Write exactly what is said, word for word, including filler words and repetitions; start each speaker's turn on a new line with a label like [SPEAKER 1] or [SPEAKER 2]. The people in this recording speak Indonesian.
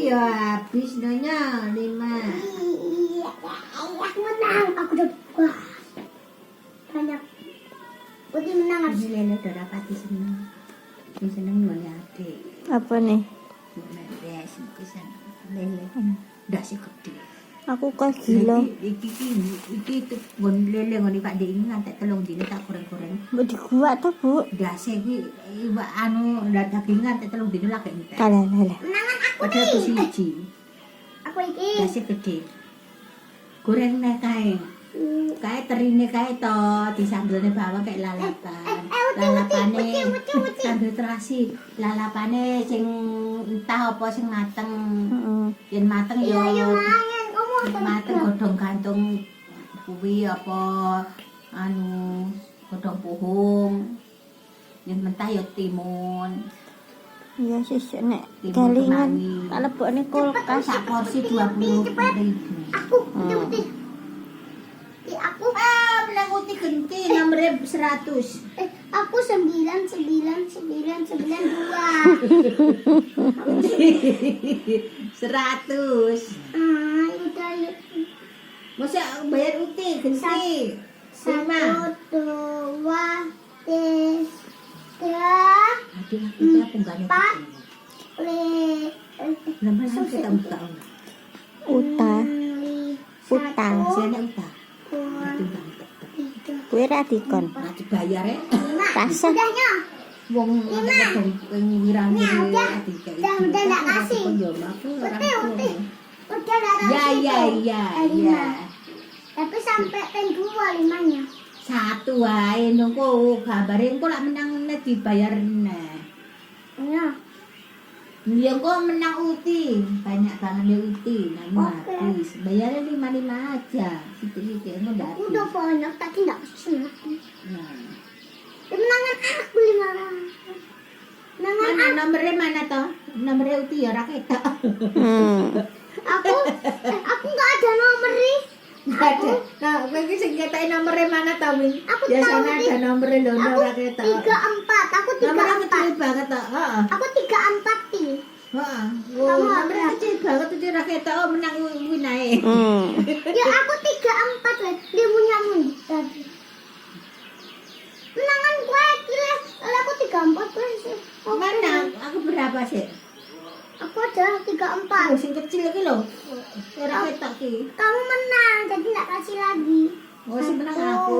[SPEAKER 1] ya habis nanya lima.
[SPEAKER 2] Iya, aku menang. Aku udah wah, banyak. Putih menang habis.
[SPEAKER 1] Ini lele udah rapati seneng. Yang seneng ngene adik.
[SPEAKER 3] Apa nih?
[SPEAKER 1] Menes pisan lele. Ndak sih gede.
[SPEAKER 3] Aku kok gila.
[SPEAKER 1] Iki iki iki iki ngon lele ngene Pak Dik ini ngantek telung dino tak goreng-goreng.
[SPEAKER 3] Mbok diguwak to, Bu?
[SPEAKER 1] Dase iki iwak anu ndak daging ngantek telung dino lagi entek.
[SPEAKER 3] Kalah kalah.
[SPEAKER 2] Menangan aku
[SPEAKER 1] Padahal ku
[SPEAKER 2] nih.
[SPEAKER 1] siji.
[SPEAKER 2] Aku iki.
[SPEAKER 1] Dase gede. Goreng nek kae. Kae terine kae to disambelne bawah kayak lalapan. Lalapane sambil terasi. Lalapane sing entah apa sing mateng.
[SPEAKER 3] Heeh.
[SPEAKER 1] Yen mateng yo
[SPEAKER 2] Iya, iya, mangan. Kamu apa?
[SPEAKER 1] mateng godhong gantung kuwi apa anu godhong puhung. Yen mentah yo timun.
[SPEAKER 3] Iya sih nek
[SPEAKER 1] Timun
[SPEAKER 3] galingan
[SPEAKER 1] kemangi.
[SPEAKER 3] tak lebokne kulkas.
[SPEAKER 1] Sak porsi dua puluh ribu.
[SPEAKER 2] Aku, putih, putih. Di aku,
[SPEAKER 1] Ah, menang uti genti nomor seratus.
[SPEAKER 2] eh, aku sembilan, sembilan, sembilan, sembilan, dua.
[SPEAKER 1] Seratus.
[SPEAKER 2] Ah, udah yuk.
[SPEAKER 1] Masa bayar uti genti. Sama.
[SPEAKER 2] Satu, dua, tiga,
[SPEAKER 1] Aduh, kita punggane.
[SPEAKER 2] Empat. le,
[SPEAKER 1] Lama-lama kita buka.
[SPEAKER 3] Uta, Uta.
[SPEAKER 1] Saya uta.
[SPEAKER 2] dua,
[SPEAKER 1] Itu banget.
[SPEAKER 2] tiga,
[SPEAKER 3] kuwi ra dikon.
[SPEAKER 1] Nah, dibayar ya.
[SPEAKER 2] lima.
[SPEAKER 3] Kasih.
[SPEAKER 2] Udahnya.
[SPEAKER 1] Wong ngomong pengiran
[SPEAKER 2] Udah,
[SPEAKER 1] ini
[SPEAKER 2] udah.
[SPEAKER 1] tiga
[SPEAKER 2] Udah, udah, nggak kasih. Putih, putih. Udah darah
[SPEAKER 1] Ya, ya, ya, ya.
[SPEAKER 2] Tapi sampai pen dua limanya.
[SPEAKER 1] Satu wae nunggu gambare engko lak menang nek dibayar neh.
[SPEAKER 2] Ya.
[SPEAKER 1] Ya engko menang uti, banyak banget ya uti, namun
[SPEAKER 2] Oke.
[SPEAKER 1] habis. Bayarnya lima lima aja. Situ-situ engko ndak habis.
[SPEAKER 2] Udah banyak tadi nggak pesen.
[SPEAKER 1] Nah.
[SPEAKER 2] Kemenangan aku lima. Kemenangan
[SPEAKER 1] Mana nomornya mana toh? Nomornya uti ya ra ketok.
[SPEAKER 3] Hmm.
[SPEAKER 2] aku. Eh, aku nggak ada nomor nih.
[SPEAKER 1] Enggak ada. Nah, kowe iki sing ketok nomornya mana toh, Min?
[SPEAKER 2] Aku
[SPEAKER 1] Biasanya
[SPEAKER 2] tahu,
[SPEAKER 1] ada
[SPEAKER 2] Min.
[SPEAKER 1] nomornya lho
[SPEAKER 2] Aku
[SPEAKER 1] ora ketok.
[SPEAKER 2] tiga empat. Aku tiga
[SPEAKER 1] Nomornya
[SPEAKER 2] empat.
[SPEAKER 1] kecil banget toh. Heeh.
[SPEAKER 2] Aku tiga empat ti.
[SPEAKER 1] Heeh.
[SPEAKER 2] Kamu
[SPEAKER 1] Oh,
[SPEAKER 2] apa?
[SPEAKER 1] nomornya kecil banget itu ra ketok oh, menang kuwi nae.
[SPEAKER 3] Hmm.
[SPEAKER 2] Ya aku tiga empat lah. Dia punya tadi. Menangan gue kira. Kalau aku tiga empat sih. Oke.
[SPEAKER 1] Mana? Aku berapa sih?
[SPEAKER 2] Aku ada tiga empat.
[SPEAKER 1] Oh, sing kecil iki lho. Ora ketok iki.
[SPEAKER 2] Kamu menang, jadi nggak kasih lagi.
[SPEAKER 1] Oh, sing menang aku.